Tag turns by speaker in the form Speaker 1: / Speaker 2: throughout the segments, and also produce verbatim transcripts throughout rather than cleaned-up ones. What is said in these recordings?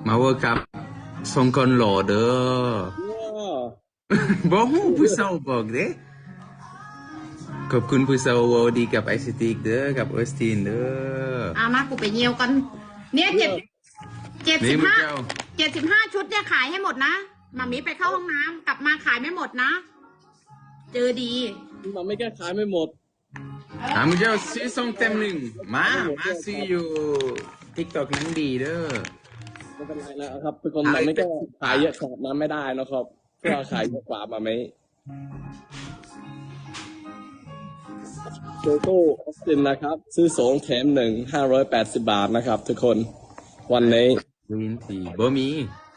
Speaker 1: มาเวิร์กับทรงคนหล่อเด้อบอกผู้สาวบอกเด้ขอบคุณผู้สาววอดีกับไอซิติกเด้อกับออสตินเด้อ
Speaker 2: อามากูไปเยี่ยวกันเนี่ยเจ็ดเจ็ดสิบห้าเจ็ดสิบห้าชุดเนี่ยขายให้หมดนะมามีไปเข้าห้องน้ำกลับมาขายไม่หมดนะเจอดี
Speaker 3: มาไม่แก้ขายไม่หมด
Speaker 1: อามุเจ้าซื้อซองเต็มหนึ่งมามาซื้ออยู่ติ๊กต็อกนั้นดีเด้อ
Speaker 3: ไม่เป็นไรนะครับเป็นคนมาไม่แก้ขายเยอะขนาดนั้นไม่ได้นะครับเพื่อขายเยอะกว่ามาไหมโลโก้ออสตินนะครับซื้อสองแถมหนึ่งห้าร้อยแปดสิบบาทนะครับทุกคนวันนี้
Speaker 1: วินทีบ่มี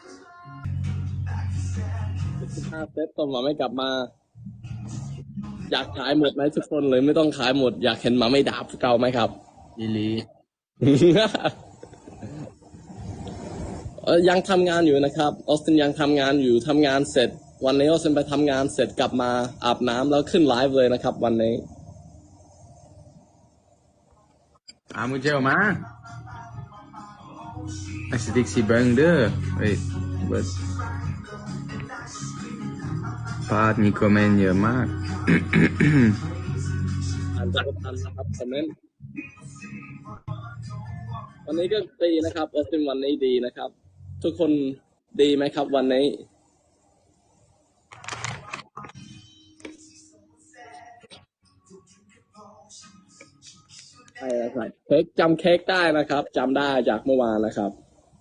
Speaker 3: สิบห้าเซตตอนมาไม่กลับมาอยากขายหมดไหมทุกคนเลยไม่ต้องขายหมดอยากเห็นมาไม่ดาบเก่าไหมครับ
Speaker 1: อีลี
Speaker 3: ยังทำงานอยู่นะครับออสตินยังทำงานอยู่ทำงานเสร็จวันนี้ออสตินไปทำงานเสร็จกลับมาอาบน้ำแล้วขึ้นไลฟ์เลยนะครับวันนี้
Speaker 1: อามุเจ้ามาไอสติ๊กซีบังเด้อเฮ้ยบัสพาดมีคอมเมนต์เยอะมาก
Speaker 3: อ่านจากทันนะครับคอมเมนต์วันนี้ก็ดีนะครับออสตินวันนี้ดีนะครับทุกคนดีไหมครับวันนี้ใช่ใช่เค้กจำเค้กได้นะครับจำได้จากเมื่อวานนะครับ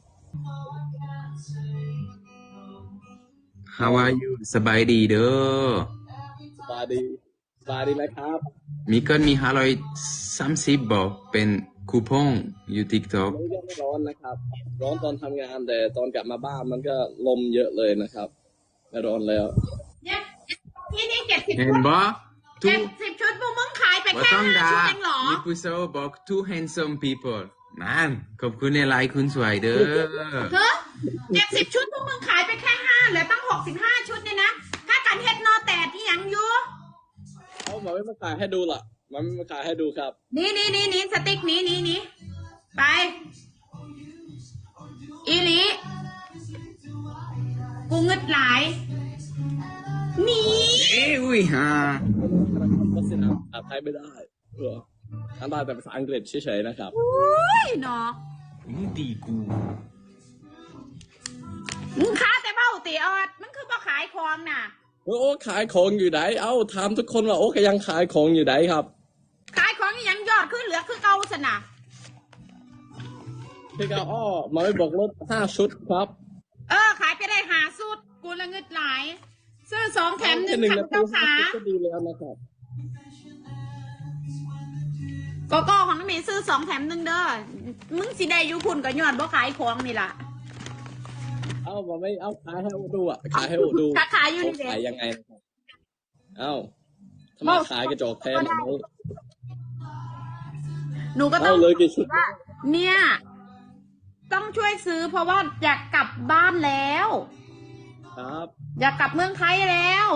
Speaker 1: How are you สบายดีเด้อ
Speaker 3: สบายดีสบายดีไหมครับ
Speaker 1: มีเกินมีห้าร้อยสามสิบบอกเป็นคูปองอยู่ติ๊กต็อก
Speaker 3: ไม่ร้อนนะครับร้อนตอนทำงานแต่ตอนกลับมาบ้านมันก็ลมเยอะเลยนะครับไม่ร้อนแล้ว
Speaker 2: ที่นี่เจ็ดสิบ
Speaker 1: เห็นบ่
Speaker 2: เจ็ดสิบชุดพวกมึงขายไปแค่ห้าชุดเองเหรอ
Speaker 1: มีผู้สาวบอก two handsome people นั่นขอบคุณในไลน์คุณสวยเด้อ
Speaker 2: เฮ้ยเจ็ดสิบชุดพวกมึงขายไปแค่ห้าเหลือตั้งหกสิบห้าชุดเนี่ยนะถ้าการเฮ็ดนอแตดที่ยังอยู่
Speaker 3: เอาหมาไม่มาขายให้ดูล่ะมันไม่มาขายให้ดูครับ
Speaker 2: นี่นี่นี่นี่สติ๊กนี้นี่นี่ไปอีลีกูเงึดหลายนี่
Speaker 1: เอ้ยอุ้ยฮะ
Speaker 3: ก็สินะอ่านไทยไม่ได้เหรออ่านได้แต่ภาษาอังกฤษเฉยๆนะครับ
Speaker 2: อุ้ยเนาะ
Speaker 1: มึงดีกู
Speaker 2: มึงค้าแต่เบ้าตีออดมันคือบ่ขายของน่ะ
Speaker 3: โอ้ขายของอยู่ไหนเอ้าถามทุกคนว่าโอ้ก็ยังขายของอยู่ไหนครับ
Speaker 2: ขายของยังยอดขึ้นเหลือคือเก่าสนะ
Speaker 3: พี่ก็อ้อมาไม่บอกลดห้าชุดครับ
Speaker 2: เออขายไปได้หาสุดกูละเงิดหลายซื้อสองแถมหนึ่งค่ะเจ้าขา
Speaker 3: ก็ดีแล้วนะครับ
Speaker 2: โกโก้ของน้องมีซื้อสองแถมหนึ่งเด้อมึงสิได้ยุคุณกับยอดบ่ขายของนี่ล่ะ
Speaker 3: เอ้ามาไม่เอาขายให้ดูอ่ะขายให้ดู
Speaker 2: ขายอยู่นี่
Speaker 3: ขายยังไงเอ้าทำไมขายกระจกแทนแบบนี้
Speaker 2: หนูก็ต้องว่าเนี่ยต้องช่วยซื้อเพราะว่าอยากกลับบ้านแล้ว
Speaker 3: ครับ
Speaker 2: อยากกลับเมืองไทยแล้ว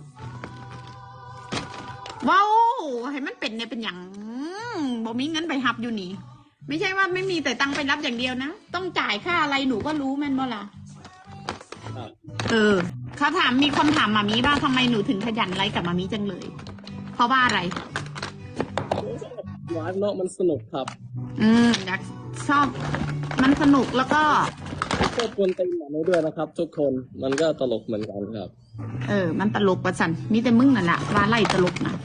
Speaker 2: ว้าวให้มันเป็นเนี่ยเป็นอย่างบ่มีเงินไปหับอยู่นี่ไม่ใช่ว่าไม่มีแต่ตังไปรับอย่างเดียวนะต้องจ่ายค่าอะไรหนูก็รู้แม่นบ่ล่ะเออเขาถามมีคนถามมามีว่าทำไมหนูถึงขยันไลฟ์กับมามีจังเลยเพราะว่าอะไร
Speaker 3: ไลฟ์เนาะมันสนุกครับ
Speaker 2: อืมอยากชอบมันสนุกแล้วก็
Speaker 3: ชอบคนตีหมาด้วยนะครับทุกคนมันก็ตลกเหมือนกันครับ
Speaker 2: เออมันตลกประสันมีแต่มึงนั่นแหละว่าไล่ตลกนะ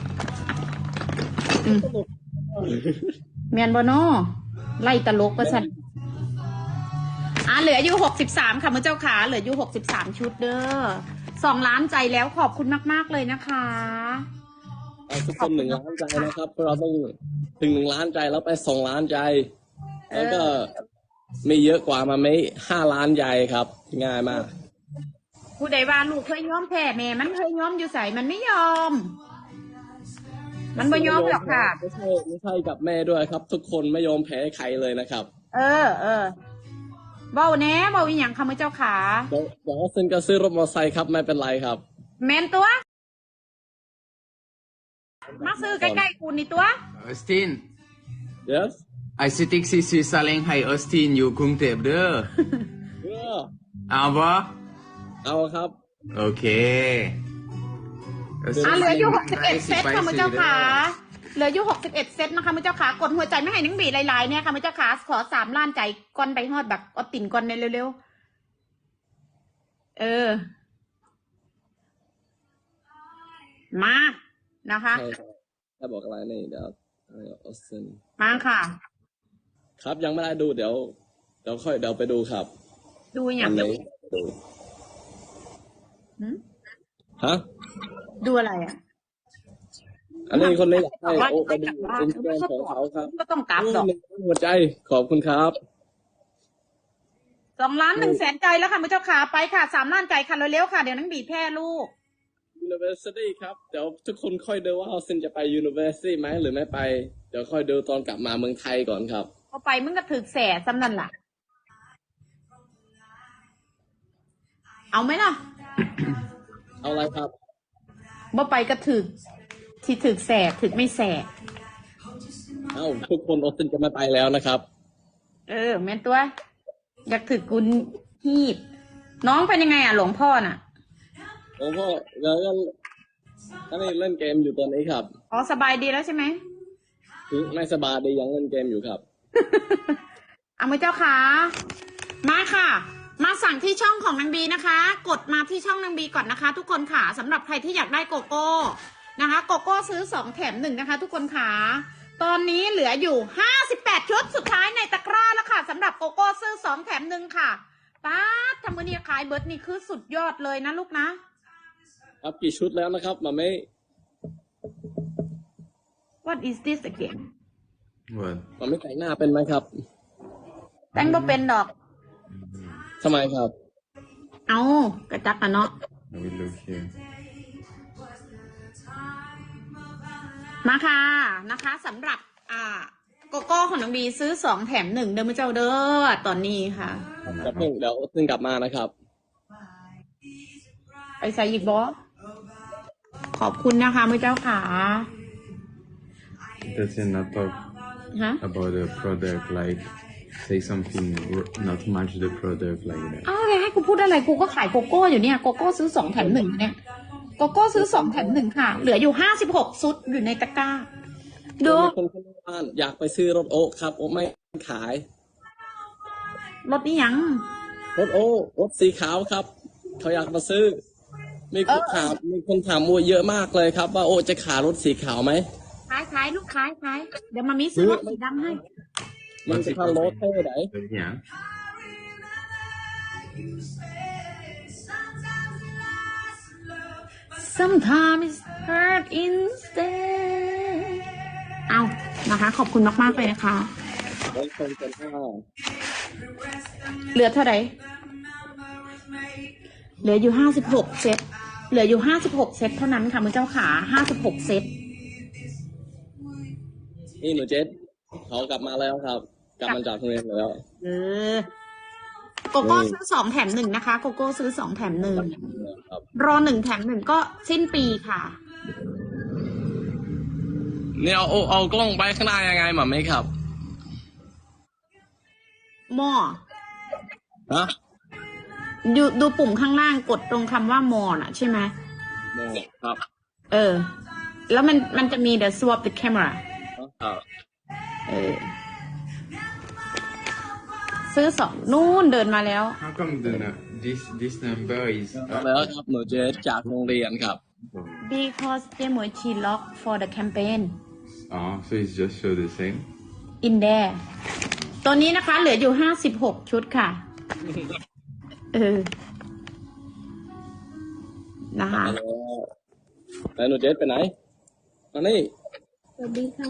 Speaker 2: อืมเมียนบโนไล่ตลกประสันอ่ะเหลืออยู่หกสิบสามค่ะมือเจ้าขาเหลืออยู่หกสิบสามชุดเด้อสองล้านใจแล้วขอบคุณมากๆเลยนะคะ
Speaker 3: ทุกคนหนึ่งล้านใจนะครับเราต้องถึงหนึ่งล้านใจแล้วไปสองล้านใจแล้วก็ไม่เยอะกว่ามาไม่ห้าล้านใจครับง่ายมาก
Speaker 2: ผู้ใดว่าลูกเคยยอมแพ้แม่มันเคยยอมอยู่ใส่มันไม่ยอมมันไม่ยอมหรอกค่ะ
Speaker 3: ไม่ใช่ไม่ใช่กับแม่ด้วยครับทุกคนไม่ยอมแพ้ใครเลยนะครับ
Speaker 2: เออเออเบาแน่เบาอีหยังค่ะมือเจ้าขา
Speaker 3: เดี๋ยวเดี๋ยวซึ่งก็ซื้อรถมอเตอร์ไซค์ครับไม่เป็นไรครับ
Speaker 2: แมนตัวมาซื้อใกล้ๆกูนี่ตัว
Speaker 1: ออสติน
Speaker 3: yes
Speaker 1: ไอซิติกซีซีซาเล้งให้ออสตินอยู่กรุงเทพเด้อเอาปะ
Speaker 3: เอาครับ
Speaker 1: โอเค
Speaker 2: อ่ะเหลืออยู่หกสิบเอ็ดเซตค่ะมือเจ้าขาเหลืออยู่หกสิบเอ็ดเซตนะคะมือเจ้าขากดหัวใจไม่ให้นังบีหลายๆเนี่ยค่ะมือเจ้าขาขอสามล้านใจก้อนไปฮอดแบบเอาติ่นก้อนในเร็วๆเออ มานะคะ
Speaker 3: ใช่ครับถ้าบอกอะไรนี่เดี๋ยวออสติน
Speaker 2: มาค่ะ
Speaker 3: ครับยังไม่ได้ดูเดี๋ยวเดี๋ยวค่อยเดี๋ยวไปดูครับ
Speaker 2: ดูอย่าง
Speaker 3: อัน
Speaker 2: เดียว
Speaker 3: นี้ดู
Speaker 2: หืม
Speaker 3: ฮะ
Speaker 2: ดูอะไรอ่ะ
Speaker 3: อันนี้คนนี้อยากให้
Speaker 2: ว่า
Speaker 3: โอ้ไปดู
Speaker 2: ว่า
Speaker 3: อินสตาแกรมของเขาครับ
Speaker 2: ก็ต้องกราบดอก
Speaker 3: หนึ่งหัวใจขอบคุณครับ
Speaker 2: สองล้านหนึ่งแสนใจแล้วค่ะมือเจ้าขาไปค่ะสามล้านใจค่ะเร็วๆค่ะเดี๋ยวนังบีแพ้ลูก
Speaker 3: University ครับเดี๋ยวทุกคนค่อยดูว่าเขาซินจะไป University ไหมหรือไม่ไป เดี๋ยวค่อยดูตอนกลับมาเมืองไทยก่อนครับ
Speaker 2: พอไปมึงก็ถึกแสซ้ำนั่นล่ะ เอาไหมล่ะ
Speaker 3: เอาอะไรครับ
Speaker 2: บ่ไปก็ถึกที่ถึกแสถึกไม่แส
Speaker 3: เอ้าทุกคนออสตินจะไม่ไปแล้วนะครับ
Speaker 2: เออแม่นตัว อยากถึกกุนฮีดน้องเป็นยังไงอ่ะหลวงพ่อน่ะ
Speaker 3: หลวงพ่อแล้วก็อันนี้เล่นเกมอยู่ตอนนี้ครับ
Speaker 2: อ๋อสบายดีแล้วใช่ไหม
Speaker 3: คือไม่สบายดียังเล่นเกมอยู่ครับ
Speaker 2: เอามือเจ้าขามาค่ะ มาสั่งที่ช่องของนางบีนะคะ กดมาที่ช่องนางบีก่อนนะคะ ทุกคนค่ะสำหรับใครที่อยากได้โกโก้นะคะ โกโก้ซื้อสองแถมหนึ่งนะคะ ทุกคนค่ะตอนนี้เหลืออยู่ห้าสิบแปดชุดสุดท้ายในตะกร้าแล้วค่ะสำหรับโกโก้ซื้อสองแถมหนึ่งค่ะป้าดทำมือนี้ขายเบิร์ดนี่คือสุดยอดเลยนะลูกนะครับ
Speaker 3: กี่ชุดแล้วนะครับมาไม่
Speaker 2: What is this again
Speaker 1: What
Speaker 3: มาไม่แต่งหน้าเป็นไหมครับ
Speaker 2: แต่งบ่เป็นดอก
Speaker 3: ทำไมครับ
Speaker 2: เอากระจักกันเนาะ
Speaker 1: I will look here
Speaker 2: มาค่ะนะคะสำหรับอ่าโกโก้ของน้องบีซื้อสองแถมหนึ่งเดิมเจ้าเด้อตอนนี้ค่ะ
Speaker 3: จะเพิ่งเดี๋ยวออสตินกลับมานะครับ
Speaker 2: ไปใส่อีกบอสขอบคุณนะคะมือเจ้าขา
Speaker 1: Does it not talk
Speaker 2: ฮะ
Speaker 1: about the product like say something not much the product like that
Speaker 2: อ้าวเลยให้กูพูดอะไรกูก็ขายโกโก้อยู่เนี่ยโกโก้ซื้อสองแถมหนึ่งเนี่ยโกโก้ซื้อสองแถมหนึ่งค่ะ เหลืออยู่ห้าสิบหกซุดอยู่ในตะกร้าดู
Speaker 3: มีคนข้างบ้านอยากไปซื้อรถโอ๊คครับโอ๊คไม่ขาย
Speaker 2: รถนี่ยัง
Speaker 3: รถโอ๊ครถสีขาวครับ เขาอยากมาซื้อ มีคนถามมีคนถามมัวเยอะมากเลยครับ ว่าโอ๊คจะขายรถสีขาวไหม
Speaker 2: ขายขายลูกขายขายเดี๋ยวมามีซื้อรถสีดำให้
Speaker 3: มันจะเข้ารถเท่ไหน
Speaker 1: Yeah
Speaker 2: Sometimes it's hurt instead เอานะคะ ขอบคุณมากๆเลยนะคะ
Speaker 3: รถคนเป็นห้า
Speaker 2: เหลือเท่าไหร่เหลืออยู่ห้าสิบหกเซตเหลืออยู่ห้าสิบหกเซตเท่านั้นค่ะมือเจ้าขาห้าสิบหกเซต
Speaker 3: นี่หนูเจษเขากลับมาแล้วครับ กลับมาจากโรงเรียนแล้ว
Speaker 2: เออโกโก้ซื้อสองแถมหนึ่งนะคะโกโก้ซื้อสองแถมหนึ่ง
Speaker 3: ครับ
Speaker 2: รอหนึ่งแถมหนึ่งก็สิ้นปีค่ะ
Speaker 3: เนี่ยเอาเอาเอากล้องไปข้างหน้ายังไงหมาไหมครับ
Speaker 2: หม้อ
Speaker 3: ฮะ
Speaker 2: ดูดูปุ่มข้างล่างกดตรงคำว่ามอน่ะใช่ไหม
Speaker 3: เนี่ยครับ
Speaker 2: เออ แล้วมันมันจะมี the swap the camera
Speaker 3: ครับ
Speaker 2: เออ ซื้อสองนู่นเดินมาแล้ว
Speaker 1: How come the nu- this this number is
Speaker 3: มา
Speaker 1: up?
Speaker 3: แล้วครับหนูเจษจากโรงเรียนครับ
Speaker 2: because เจมวยชี lock for the campaign
Speaker 1: Oh so it's just show the same
Speaker 2: in there ตัวนี้นะคะ เหลืออยู่ห้าสิบหกชุดค่ะ เออ นะคะ
Speaker 3: แล้วหนูเจษไปไหนมานี่
Speaker 2: สวัสดีค่ะ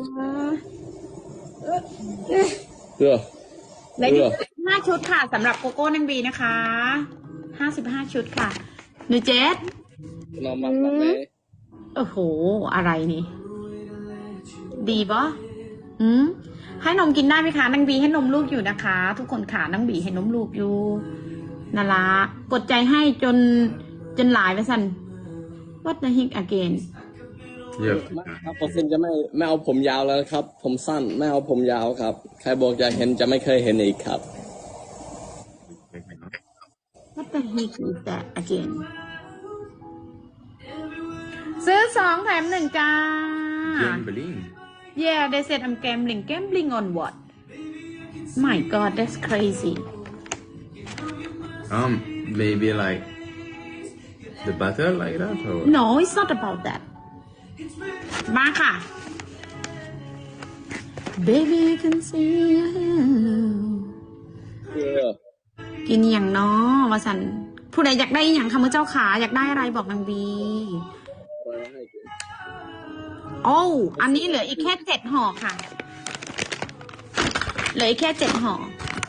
Speaker 3: เพื่อ
Speaker 2: เหลืออยู่ห้าชุดค่ะสำหรับโกโก้นังบีนะคะห้าสิบห้าชุดค่ะหนูเจส
Speaker 3: นอนมาแบบไหน
Speaker 2: โอ้โห อะไรนี่ ดีปะอืมให้นมกินได้ไหมคะนังบีให้นมลูกอยู่นะคะ ทุกคนขานังบีให้นมลูกอยู่นาละกดใจให้จนจนหลายไปสัน What the heck again
Speaker 1: Yeah
Speaker 3: ครับผมซินจะไม่ไม่เอาผมยาวแล้วครับ ผมสั้นไม่เอาผมยาวครับ ใครบอกจะเห็นจะไม่เคยเห็นอีกครับ
Speaker 2: What the heck is that again ซื้อสองแถมหนึ่งจ้า
Speaker 1: Gambling.
Speaker 2: Yeah they said I'm gambling gambling on what My God that's crazy
Speaker 1: Um, maybe like the butter like that or what?
Speaker 2: No it's not about that มาค่ะ Baby you can see
Speaker 3: เออ
Speaker 2: กินอย่างน้อวาสันผู้ใดอยากได้อย่างค่ะมือเจ้าขาอยากได้อะไรบอกนางบีโอ้อันนี้เหลืออีกแค่เจ็ดห่อค่ะเหลืออีกแค่เจ็ดห่อ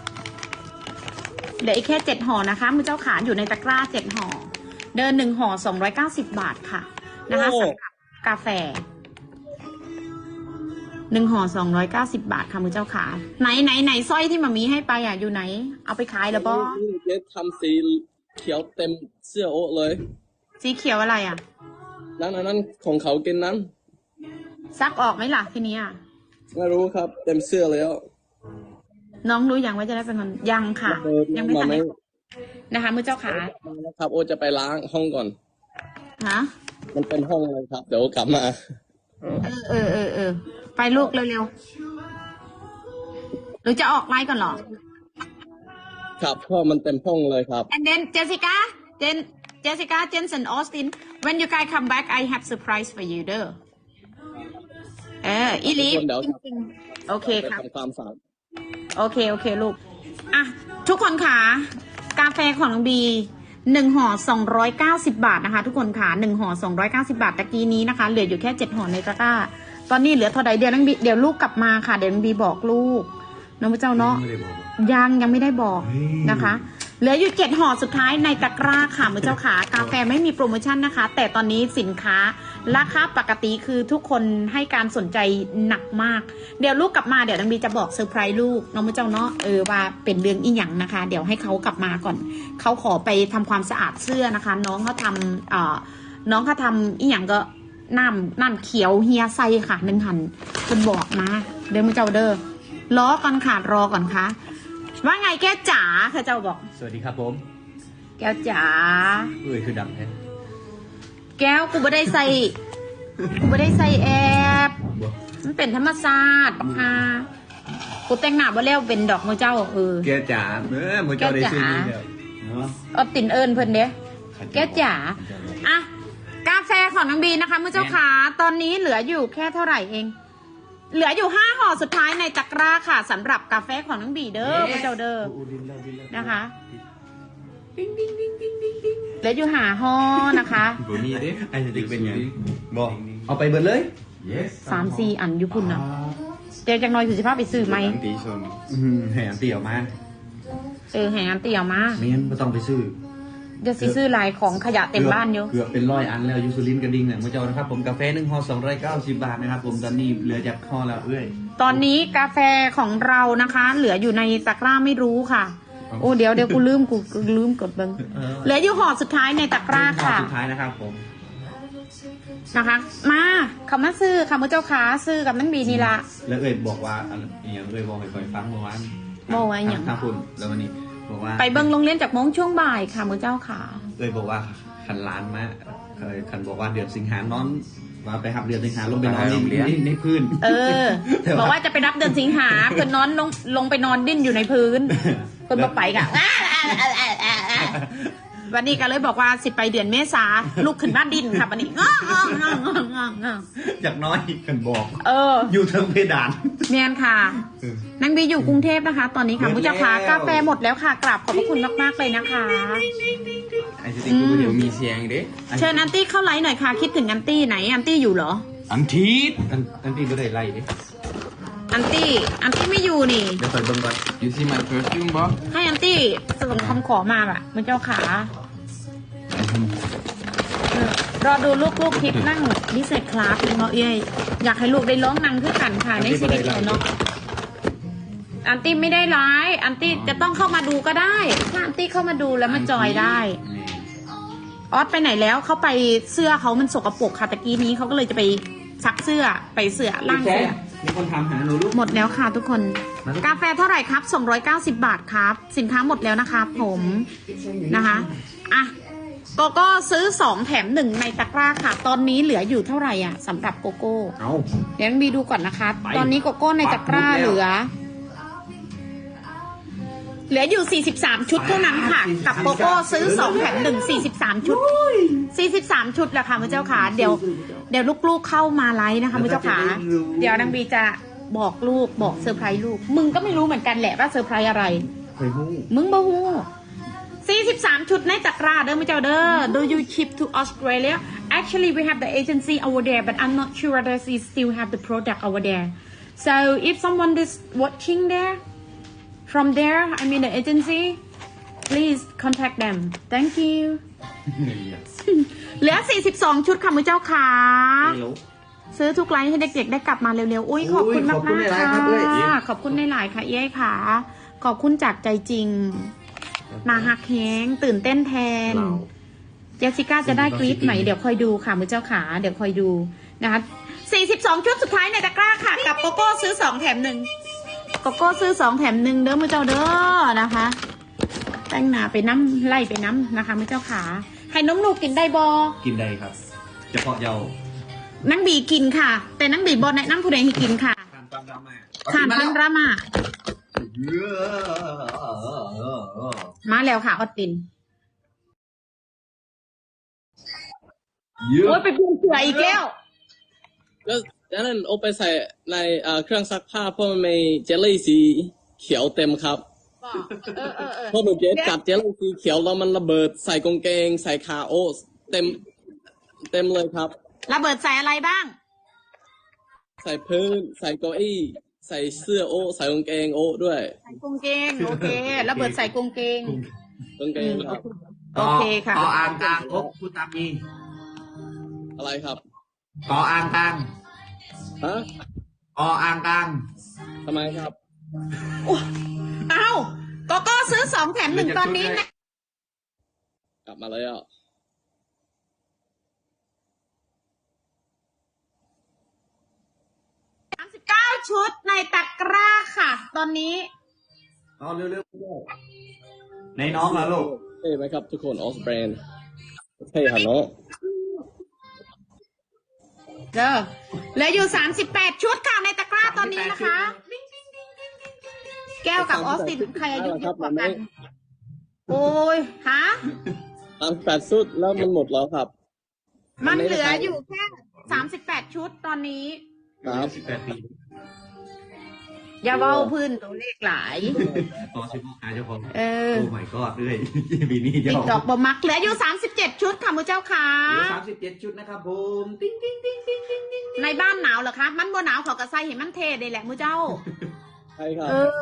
Speaker 2: เหลืออีกแค่เจ็ดห่อนะคะมือเจ้าขาอยู่ในตะกร้าเจ็ดห่อเดินหนึ่งห่อสองร้อยเก้าสิบบาทค่ะนะคะสำหรับกาแฟหนึ่งห่อสองร้อยเก้าสิบบาทค่ะมือเจ้าขาไหนไหนไหนสร้อยที่มามีให้ไปอ่ะอยู่ไหนเอาไปขายแล้วบอ
Speaker 3: เจ๊ทำสีเขียวเต็มเสื้อโอ๊ตเลย
Speaker 2: สีเขียวอะไรอ่ะ
Speaker 3: นั่นอันนั้นของเขากินนั้น
Speaker 2: ซักออกไหมล่ะทีนี้อ่ะ
Speaker 3: ไม่รู้ครับ เต็มเสื้อแล้ว
Speaker 2: น้องรู้ยังว่าจะได้เป็นคนยังค่ะ
Speaker 3: เออ
Speaker 2: ยังไม่ทัน
Speaker 3: มาไหม
Speaker 2: ได้นะคะมือเจ้าขา
Speaker 3: ครับ โอ๊ตจะไปล้างห้องก่อน
Speaker 2: ฮะ
Speaker 3: มันเป็นห้องเลยครับ เดี๋ยวกลับมา
Speaker 2: เออเออเออเออไปลูกเร็วๆหรือจะออกไลน์ก่อนเหรอ
Speaker 3: ครับเพราะมันเต็มห้องเลยครับ
Speaker 2: and then Jessica Jen Jessica Jensen Austin when you guys come back I have surprise for you เด้อเอออีลี
Speaker 3: ทุกคนเดี๋ยว
Speaker 2: จริงๆโอเค
Speaker 3: ไป
Speaker 2: ครับ
Speaker 3: ทำความสะอาด
Speaker 2: โอเคโอเคลูกอ่ะทุกคนค่ะกาแฟของน้องบีหนึ่งห่อสองร้อยเก้าสิบบาทนะคะทุกคนค่ะหนึ่งห่อสองร้อยเก้าสิบาทตะกี้นี้นะคะเหลืออยู่แค่เจ็ดห่อในตะกร้าตอนนี้เหลือเท่าใดเดี๋ยวน้องบีเดี๋ยวลูกกลับมาค่ะเดี๋ยวน้องบีบอกลูกน้องพระเจ้าเนาะยังยังไม่ได้บอกนะคะเหลืออยู่เจ็ดห่อสุดท้ายในตะกร้าค่ะมือเจ้าขากาแฟไม่มีโปรโมชั่นนะคะ แต่ตอนนี้สินค้าราคาปกติคือทุกคนให้การสนใจหนักมากเดี๋ยวลูกกลับมาเดี๋ยวน้องบีจะบอกเซอร์ไพรส์ลูกน้องมือเจ้าเนาะเออว่าเป็นเรื่องอีหยังนะคะ เดี๋ยวให้เขากลับมาก่อนเขาขอไปทำความสะอาดเสื้อนะคะ น้องเขาทำเอ่อน้องเขาทำอีหยังก็น้ำน้ำเขียวเฮียไซค่ะหนึ่งหันคนบอกนะเดี๋ยวมือเจ้าเด้อรอก่อนค่ะรอก่อนค่ะว่าไงแก้วจ๋าค่ะเจ้าบอก
Speaker 4: สวัสดีครับผม
Speaker 2: แก้วจ๋า
Speaker 4: เอ้ยคือดังแท้
Speaker 2: แก้วกูไม่ได้ใส่กูไม่ได้ใส่แอปมันเป็นธรรมศาสตร์ปะค่ะกูแต่งหน้าบ่แล้วเป็นดอกมือเจ้าเออ
Speaker 4: แกจ๋าเออมือเจ้าได้ซื้อนี่แล้วเนาะ
Speaker 2: เอาติ่นเอิญเพิ่นเด้แก้วจ๋าอ่ะกาแฟของน้องบีนะคะมือเจ้าขาตอนนี้เหลืออยู่แค่เท่าไหร่เองเหลืออยู่ห้าห่อสุดท้ายในตะกร้าค่ะสำหรับกาแฟของน้องบีเด้อมือเจ้าเด้อนะคะเหลืออยู่หาห่อนะคะ
Speaker 1: บ่มีเด้
Speaker 4: ไอ้สติ๊กเป็นไงบอกเอาไปเบิดเลย
Speaker 1: Yes
Speaker 2: สามสี่อันอยู่พุ่นนะเดี๋ยวจังน้อยถือสิภาพไปซื้อไหม
Speaker 1: อันตีชน
Speaker 4: อืมแหมเตี่ยวมา
Speaker 2: เออแหงเตี่ยวมา
Speaker 4: เมียนไม่ต้องไปซื้อ
Speaker 2: เดี๋ยวสิซื้อลายของขยะเต็มบ้านอยู่
Speaker 4: เกือบเป็นร้อยอันแล้วยูซูลินกระดิ่งเนี่ยมือเจ้านะครับผมกาแฟหนึ่งห่อสองร้อยเก้าสิบบาทนะครับผมตอนนี้เหลือจากห่อแล้วเอ้ย
Speaker 2: ตอนนี้กาแฟของเรานะคะ เหลืออยู่ในตะกร้าไม่รู้ค่ะ โอ้เดี๋ยวเดี๋ยวกูลืมกูกูลืมกดเบิ้งเหลืออยู่ห่อสุดท้ายในตะกร้า
Speaker 4: ห่อ
Speaker 2: ค่ะ
Speaker 4: สุดท้ายนะครับผม
Speaker 2: นะคะ มาเขามาซื้อค่ะมือเจ้าขาซื้อกับนั่งบีนี่ละ
Speaker 4: แล้วเอ้ยบอกว่าอันอย่างเอ้ยบอกให้คอยฟังเมื่อวาน
Speaker 2: บอกว่าอย่าง
Speaker 4: ทางคุณแล้ววันนี้บอกว่า
Speaker 2: ไปเบิ้งโรงเรียนจากโมงช่วงบ่ายค่ะมือเจ้าขา
Speaker 4: เอ้ยบอกว่าขันล้านมาเคยขันบอกว่าเดือนสิงหานอนว่าไปหับเดือนสิงหาลงไปนอนในในในพื้น
Speaker 2: เออ บอกว่าจะไปรับเดือนสิงหาเพื่อนนอนลงลงไปนอนดิ้นอยู่ในพื้นเพื่อนมาไปกะวันนี้ก็เลยบอกว่าสิไปเดือนเมษาลูกขึ้นบ้านดินค่ะวันนี้งององงองงองงอง
Speaker 4: อยากน้อยกันบอก
Speaker 2: เออ
Speaker 4: อยู่เทิงเพดาน
Speaker 2: แมนค่ะนางบีอยู่กรุงเทพนะคะ ตอนนี้ค่ะมุจาพากาแฟหมดแล้วค่ะกราบขอบพระคุณมากๆเลยนะคะ
Speaker 1: ไอ้สติ๊กกูเดี๋ยวมีเสียงเด้
Speaker 2: เชิญอันตี้เข้าไลน์หน่อยค่ะคิดถึงอันตี้ไหนอันตี้อยู่เหรอ
Speaker 1: อันทีด
Speaker 4: อันอันที่ไม่ได้ไล่ดิ
Speaker 2: อันตี้อันตี้ไม่อยู่นี่
Speaker 4: เดี๋ยวคอยเบิ่งก่อน
Speaker 1: You see my perfume บ่
Speaker 2: ให้อันตี้ส่งคำขอมาแบบมุเจ้าขาเออรอดูลูกๆคลิปนั่งดิเซตคลาสเนาะเอ้ยอยากให้ลูกได้ร้องนั่งขึ้นกันค่ะในชีวิตเราเนาะอันตี้ไม่ได้ร้ายอันตี้จะต้องเข้ามาดูก็ได้ถ้าอันตี้เข้ามาดูแล้วมาจอยได้ออสไปไหนแล้วเขาไปเสื้อเขามันสกปรกค่ะตะกี้นี้เขาก็เลยจะไปซักเสื้อไปเสื้อล่าง
Speaker 4: แค่
Speaker 2: เสื้อ
Speaker 4: มีคนถามหาหนูลูก
Speaker 2: หมดแล้วค่ะทุกคน
Speaker 4: มาลูก
Speaker 2: กาแฟเท่าไหร่ครับสองร้อยเก้าสิบบาทครับ สินค้าหมดแล้วนะครับผมนะคะอ่ะโกโก้ซื้อสองแถมหนึ่งในตะกร้าค่ะ ตอนนี้เหลืออยู่เท่าไหร่อ่ะสำหรับโกโก้
Speaker 4: เอา
Speaker 2: เดี๋ยวมีดูก่อนนะคะ
Speaker 4: ไป
Speaker 2: ตอนนี้โกโก้ในตะกร้า
Speaker 4: ปักหมุดแล้ว
Speaker 2: เหลือ เหลืออยู่สี่สิบสามชุดเท่านั้นค่ะ กับโกโก้ซื้อสองแถมหนึ่งสี่สิบสามชุดสี่สิบสามชุดแหละค่ะมือเจ้าขาเดี๋ยวเดี๋ยวลูกๆเข้ามาไลฟ์นะคะมือเจ้าขาเดี๋ยวนางบีจะบอกลูกบอกเซอร์ไพรส์ลูกมึงก็ไม่รู้เหมือนกันแหละว่าเซอร์ไพรส์อะไร
Speaker 4: เคยหู้
Speaker 2: มึงบ่ฮู้สี่สิบสามชุดในตะกร้าเด้อมือเจ้าเด้อ Do you ship to Australia Actually we have the agency over there but I'm not sure that we still have the product over there so if someone is watching there from there I mean the agency please contact them thank you เหลือสี่สิบสองชุดค่ะมือเจ้าขา
Speaker 4: เร็ว
Speaker 2: ซื้อทุกไลน์ให้เด็กๆได้กลับมาเร็วๆ อุ้ยขอบคุณมาก
Speaker 4: ขอบคุณ
Speaker 2: มาก
Speaker 4: หลายๆครั
Speaker 2: ค่ะ
Speaker 4: บเอ้ย
Speaker 2: ขอบคุณในหลายๆค่ะเย้ค่ะ ขอบคุณจากใจจริง มาฮักแฮงตื่นเต้นแทน
Speaker 4: เรา
Speaker 2: เจสสิก้าจะได้กรี๊ดไหมเดี๋ยวคอยดูค่ะมือเจ้าขา เดี๋ยวคอยดูนะคะสี่สิบสองชุดสุดท้ายในตะกร้าค่ะ กับโกโก้ซื้อสองแถมหนึ่งโกโก้ซื้อสองแถมหนึ่งเด้อมือเจ้าเด้อนะคะ แป้งหนาไปน้ำไล่ไปน้ำนะคะมือเจ้าขา ให้น้องลูกกินได้บอ
Speaker 4: กินได้ครับเฉพาะเยาว์
Speaker 2: นังบีกินค่ะ แต่นังบีบอแนะนำผู้ใดให้กินค่ะ
Speaker 4: ทานความดราม่า
Speaker 2: ทานพันรามามาแล้วค่ะออสติน
Speaker 4: เยอะ
Speaker 2: โอ้ยไปเปลี่ยนเสืออีกแล้ว
Speaker 3: ก็ดังนั้นโอไปใส่ในเอ่อเครื่องซักผ้าเพราะมันมีเจลลี่สีเขียวเต็มครับ
Speaker 2: เออเออเออ
Speaker 3: เพราะหนูเจสกัดเจลลี่สีเขียวแล้วมันระเบิดใส่กางเกง ใส่ขาโอ้เต็ม เต็มเลยครับ
Speaker 2: ระเบิดใส่อะไรบ้าง
Speaker 3: ใส่พื้น ใส่เก้าอี้ ใส่เสื้อโอ้ใส่กางเกงโอ้ด้วย
Speaker 2: ใส่กางเกงโอเค ระเบิดใส่กางเกง
Speaker 3: กางเกงครับ
Speaker 2: โอเคค่ะ
Speaker 4: ต่ออ่างกลางอกพูดตามนี้
Speaker 3: อะไรครับ
Speaker 4: ต่ออ่างกลาง
Speaker 3: ฮะ
Speaker 4: ต่ออ่างกลาง
Speaker 3: ทำไมครับ
Speaker 2: เอ้าโกโก้ซื้อสองแถมหนึ่งตอนนี้นะ
Speaker 3: กลับมาแล้ว
Speaker 2: สามสิบเก้าชุดในตะกร้าค่ะ ตอนนี้
Speaker 4: เอาเร็วๆในน้องเหรอลูก
Speaker 3: เท่ไหมครับทุกคนออสแบรนด์เท่หันเนาะ
Speaker 2: เด้อเหลืออยู่สามสิบแปดชุดค่ะในตะกร้าตอนนี้นะคะ แก้วกับออสตินใครอายุเยอะกว่ากัน โอ้ยฮะ
Speaker 3: ตามแปดสุดแล้วมันหมดแล้วครับ
Speaker 2: มันเหลืออยู่แค่สามสิบแปดชุดตอนนี้
Speaker 3: ครับ
Speaker 4: สิบแปดปี
Speaker 2: อย่าเบ้าพื้นตัวเลขหลาย
Speaker 4: ต่อชิบหายเจ้าของ
Speaker 2: เออ
Speaker 4: โอ้ my god เลยปีนี้
Speaker 2: ติ๊
Speaker 4: เจ้าก
Speaker 2: ดอกบมักเหลืออยู่สามสิบเจ็ดชุดค่ะมือเจ้าค่ะ
Speaker 4: เหลือสามสิบเจ็ดชุดนะครับผมติ๊งติ๊งติ๊งติ๊งติ๊งติ๊ง
Speaker 2: ในบ้านหนาวเหรอคะ มันบ่หนาวเขากระใส่เห็นมันเทได้แหละมือเจ้า
Speaker 3: ใช่ครับ
Speaker 2: เออ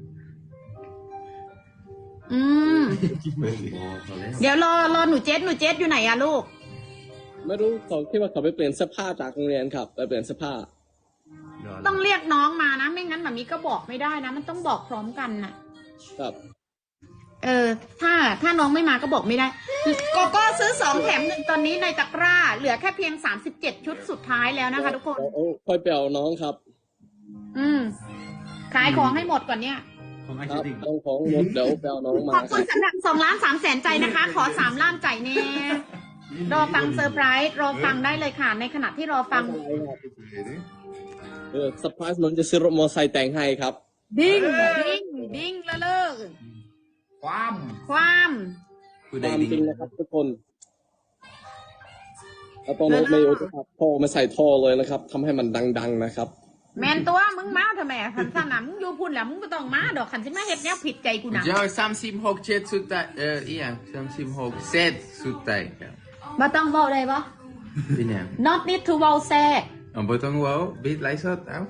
Speaker 2: อืม
Speaker 4: อ๋อพอแล้ว
Speaker 2: เดี๋ยวรอรอหนูเจสหนูเจสอยู่ไหนอะลูก
Speaker 3: ไม่รู้เขาคิดว่าเขาไปเปลี่ยนเสื้อผ้าจากโรงเรียนครับไปเปลี่ยนเสื้อผ้า
Speaker 2: ต้องเรียกน้องมานะ ไม่งั้นแบบนี้ก็บอกไม่ได้นะ มันต้องบอกพร้อมกันน่ะ
Speaker 3: ครับ
Speaker 2: เออ ถ้าถ้าน้องไม่มาก็บอกไม่ได้โกโก้ซื้อสองแถมหนึ่งตอนนี้ในตะกร้า เหลือแค่เพียงสามสิบเจ็ดชุดสุดท้ายแล้วนะคะทุกคน
Speaker 3: โอ้โอ้ค่อยไปเอาน้องครับ
Speaker 2: อืม ขายของให้หมดก่อนเนี่ย
Speaker 4: ของไอ
Speaker 3: ค
Speaker 4: ชิ
Speaker 3: รับ
Speaker 4: ติง
Speaker 3: ต้องของหมดเดี๋ยวไปเอาน้องมา
Speaker 2: ขอบ
Speaker 3: ค
Speaker 2: คุ
Speaker 3: รั
Speaker 2: ณ
Speaker 3: บ
Speaker 2: สำหรับสองล้านสามแสนใจนะคะ ขอสามล้านใจแน่ รอฟังเซอร์ไพรส์รอฟังได้เลยค่ะ ในขณะที่รอฟัง
Speaker 3: เออเซอร์ไพรส์น้องจะซื้อรถมอเตอร์ไซค์แต่งให้ครับ
Speaker 2: ดิ้งดิ้งดิ้งละเลิก
Speaker 4: ความ
Speaker 2: ความ
Speaker 1: ผู้
Speaker 3: ค
Speaker 1: ใด
Speaker 3: วาม
Speaker 1: ดิ้ง
Speaker 3: จริงนะครับทุกคนแล้วตอนนี้ไม่รู้จะครับท่อไม่ใส่ท่อเลยนะครับทำให้มันดังๆนะครับ
Speaker 2: แมนตัวมึงมาทำไมขันสนามมึงอยู่พุ่นแล้วมึงก็ต้องมาดอกขันสิมาเฮ็ดแนวผิดใจกูนะ
Speaker 1: เจ้าสามสิบหกเจ็ดสุดท้ายเอออีหยังสามสิบหกเซตสุดท้ายครับ
Speaker 2: บ่ต้องเว้าได้บ่
Speaker 1: เป็นหยัง
Speaker 2: not need to เว้าแซ่
Speaker 1: อ๋อบ่ต้องเว้าบิดไลฟ์สดเอ้า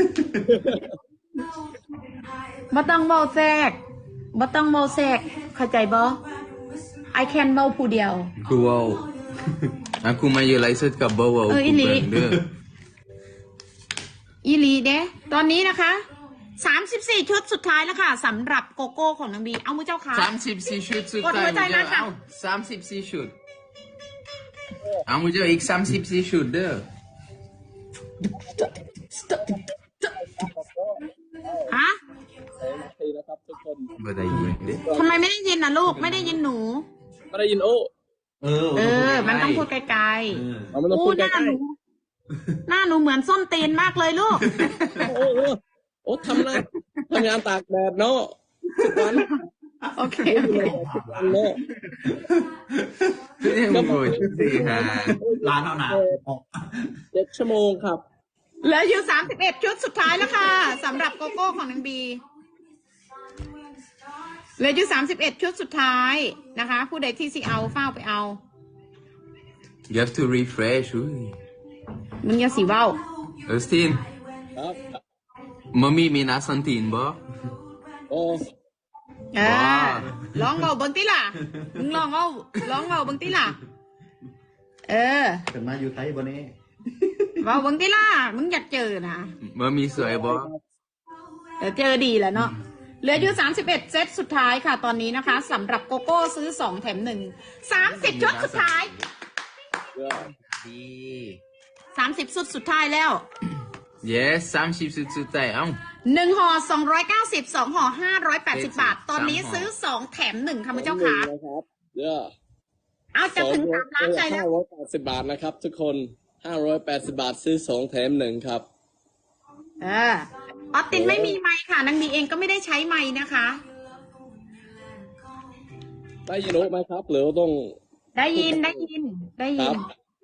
Speaker 2: บ่ต้องเว้าแทรกบ่ต้องเว้าแทรกเข้าใจบ่ I can เว้าผู้เดียว
Speaker 1: กูเว้าอ่ะกูมาอยู่ไลฟ์สดกับบ่เว้า
Speaker 2: เอออี
Speaker 1: กู
Speaker 2: หลี
Speaker 1: เบิ่งเด้อ
Speaker 2: อีหลีเด้ตอนนี้นะคะสามสิบสี่ชุดสุดท้ายแล้วค่ะสำหรับโกโก้ของนางบีเอามือเจ้าค่ะ
Speaker 1: สามสิบสี่ชุดสุด
Speaker 2: กดหั
Speaker 1: ท้ายว
Speaker 2: ใจ
Speaker 1: มึง
Speaker 2: นะ
Speaker 1: จะ
Speaker 2: คะ
Speaker 1: เอาสามสิบสี่ชุดเอามึงจะอีกสามสิบสี่ชุดเด้อ
Speaker 2: ฮะ
Speaker 3: สองนาทีนะครับทุกคน
Speaker 1: บ่ได้ยินเด้
Speaker 2: ทำไมไม่ได้ยินน่ะลูกไม่ได้ยินหนู
Speaker 3: ไม่ได้ยินโอ้
Speaker 4: เออ
Speaker 2: เออ มันต้องพูดไกล
Speaker 4: เออ
Speaker 3: เอา
Speaker 2: ๆ
Speaker 3: มันต้อง
Speaker 2: อู้
Speaker 3: พูด
Speaker 2: ห
Speaker 3: ใก
Speaker 2: น้า
Speaker 3: ล้
Speaker 2: หนูหน้าหนูเหมือนส้นตีนมากเลยลูก
Speaker 3: ๆโอ้โหโอ้ทำนะทำงานตากแดดเนาะทุกวัน
Speaker 2: โอเค
Speaker 3: ทุกวันเนาะ
Speaker 1: ยังบ่สิหา
Speaker 4: ร้านเท่าหนาออก
Speaker 3: เจ็ดชั่วโมงครับ
Speaker 2: เหลืออยู่สามสิบเอ็ดชุดสุดท้ายแล้วค่ะสำหรับโกโก้ของนางบีเหลืออยู่สามสิบเอ็ดชุดสุดท้ายนะคะ ผู้ใดที่สิเอาเฝ้าไปเอา
Speaker 1: you have to refresh อุ้ย
Speaker 2: มึงอย่าสีเว้า
Speaker 1: ออสติน
Speaker 3: ครับ
Speaker 1: มัมมี่มีนาซันตินบ่
Speaker 3: โอ้
Speaker 2: เออลองเบาเบิ้งติล่ะ มึงลองเอาลองเบาเบิ้งติล่ะ เออ
Speaker 4: เกิดมาอยู่ไทยบนนี้
Speaker 2: เบาเบิ้งติล่ะ มึงอยากเจอนะ
Speaker 1: มัมมี่สวยบ่
Speaker 2: เดี๋ยวเจอดีแหล้วเนาะ เหลืออยู่สามสิบเอ็ดเซตสุดท้ายค่ะตอนนี้นะคะสำหรับโกโก้ซื้อสองแถมหนึ่งสามสิบชุดสุดท้าย
Speaker 3: เดี๋ยว
Speaker 1: ดี
Speaker 2: สามสิบชุดสุดท้ายแล้ว
Speaker 1: yes สามสิบสุดสุดท้ายเอ้า
Speaker 2: หนึ่งห่อสองร้อยเก้าสิบสองห่อห้าร้อยแปดสิบบาท ตอนนี้ซื้อสองแถมหนึ่งค่ะคุณเจ้าค่ะ
Speaker 3: นะครับเดี๋ยว
Speaker 2: เอาจะถึงสามล้านใจแล้ว
Speaker 3: ห้าร้อยแปดสิบบาทนะครับ ทุกคนห้าร้อยแปดสิบบาทซื้อสองแถมหนึ่งครับ
Speaker 2: เออออสตินไม่มีไมค์ค่ะนางบีเองก็ไม่ได้ใช้ไมค์นะคะ
Speaker 3: ได้ยินโอ้ไหมครับ หรือว่าต้อง
Speaker 2: ได้ยินได้ยินได้
Speaker 3: ค
Speaker 2: ยิ
Speaker 3: รั
Speaker 2: น
Speaker 3: บ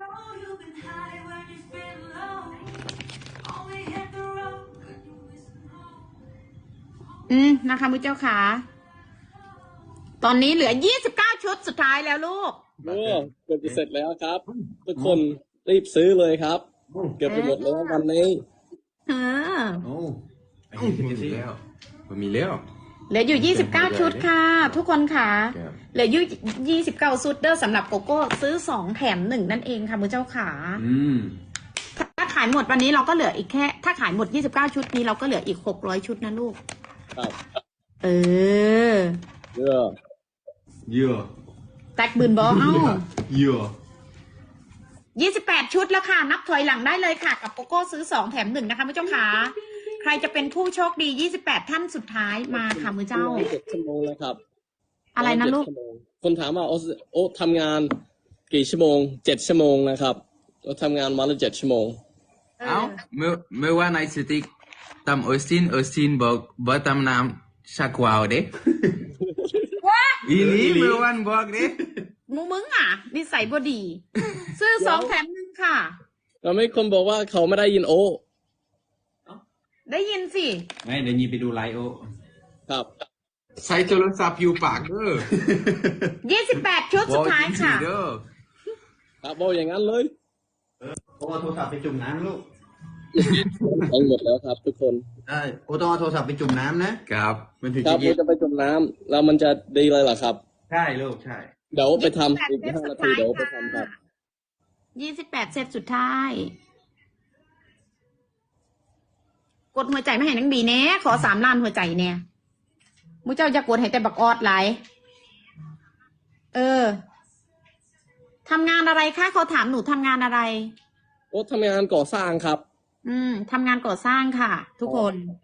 Speaker 2: อืมนะคะมุเจ้าค่ะ ตอนนี้เหลือยี่สิบเก้าชุดสุดท้ายแล้วลูก
Speaker 3: โอ้เกือบจะเสร็จแล้วครับ ทุกคนรีบซื้อเลยครับ เกือบจะหมดแล้ววันนี้
Speaker 2: เออ
Speaker 4: โอ้ไอ้
Speaker 1: บ่
Speaker 4: ที่
Speaker 1: มี
Speaker 4: ที่
Speaker 1: แล้วบ่มีแล้ว
Speaker 2: เหลืออยู่ยี่สิบเก้าชุดค่ะ ทุกคนค่ะ
Speaker 1: ครับ
Speaker 2: เหลืออยู่ยี่สิบเก้าชุดเด้อสำหรับโกโก้ซื้อสองแถมหนึ่งนั่นเองค่ะมุเจ้าค่ะ
Speaker 4: อืม
Speaker 2: ถ้าขายหมดวันนี้เราก็เหลืออีกแค่ ถ้าขายหมดยี่สิบเก้าชุดนี้เราก็เหลืออีกหกร้อยชุดนะลูก
Speaker 3: ครับ
Speaker 2: เออ
Speaker 3: เดี๋ยว
Speaker 4: เยอะ
Speaker 2: แตกบืนบอเอ้า
Speaker 4: เยอะ
Speaker 2: ยี่สิบแปดชุดแล้วค่ะ นับถอยหลังได้เลยค่ะ กับโกโก้ซื้อสองแถมหนึ่งนะคะมือเจ้าขาใครจะเป็นผู้โชคดียี่สิบแปดท่านสุดท้ายมาค่ะมือเจ้า
Speaker 3: เจ็ดชั่วโมงแล้วครับ
Speaker 2: อะไรนะลูก
Speaker 3: เจ็ดชั่วโมงคนถามว่าโอ้โอ้ทำงานกี่ชั่วโมงเจ็ดชั่วโมงนะครับเราทำงานวันละเจ็ดชั่วโมง
Speaker 2: เอ
Speaker 1: เอ้า
Speaker 2: อ
Speaker 1: เมื่อเมื่อวานไอสติกตำออสตินออสตินบอกบ่ตำน้ำชักวาวเด้
Speaker 2: ว้า
Speaker 1: อีนี่เมื่อวานบอกเด้
Speaker 2: มูมึงอ่ะนิสัยบดี ซื้อสองแถมหนึ่งค่ะ
Speaker 3: เราไม่คนบอกว่าเขาไม่ได้ยินโอ้
Speaker 2: ได้ยินสิ
Speaker 4: ไม่เดี๋ยวยีไปดูไลฟ์โอ
Speaker 3: ครับ
Speaker 1: ใช้โทรศัพท์อยู่ปากเด้อ
Speaker 2: ยี่สิบแปดชุดสุดท้ายค่ะ
Speaker 1: เด้อ
Speaker 3: ครับบอกอย่างนั้นเลย
Speaker 4: โอ้เอาโทรศัพท์ไปจุ่มน้ำลูก
Speaker 3: ทั้งหมดแล้วครับ ทุกคน
Speaker 4: เออโอ้ต้องเอาโทรศัพท์ไปจุ่มน้ำนะครับ มันถึง
Speaker 3: ครั
Speaker 4: จะ
Speaker 3: บ
Speaker 4: เย็
Speaker 3: เรา
Speaker 4: น
Speaker 3: จะไปจมน้ำแล้วมันจะดีเลยเหรอครับ
Speaker 4: ใช่ลูกใช่
Speaker 3: เดี๋ยวไปทำ
Speaker 2: ยี่
Speaker 3: อี
Speaker 2: สิ
Speaker 3: ก
Speaker 2: บแปด
Speaker 3: ห้านาทีเดี๋ยวไปทำครับ
Speaker 2: ยี่สิบแปดเซตสุดท้าย กดหัวใจไม่ให้นังบีแน่ขอสามล้านหัวใจเนี่ยมุเจ้าจะกดให้แต่บักออดไหลายเออทำงานอะไรคะเขาถามหนูทำงานอะไร
Speaker 3: โอ้ทำงานก่อสร้างครับ
Speaker 2: อืมทำงานก่อสร้างค่ะ ทุกคน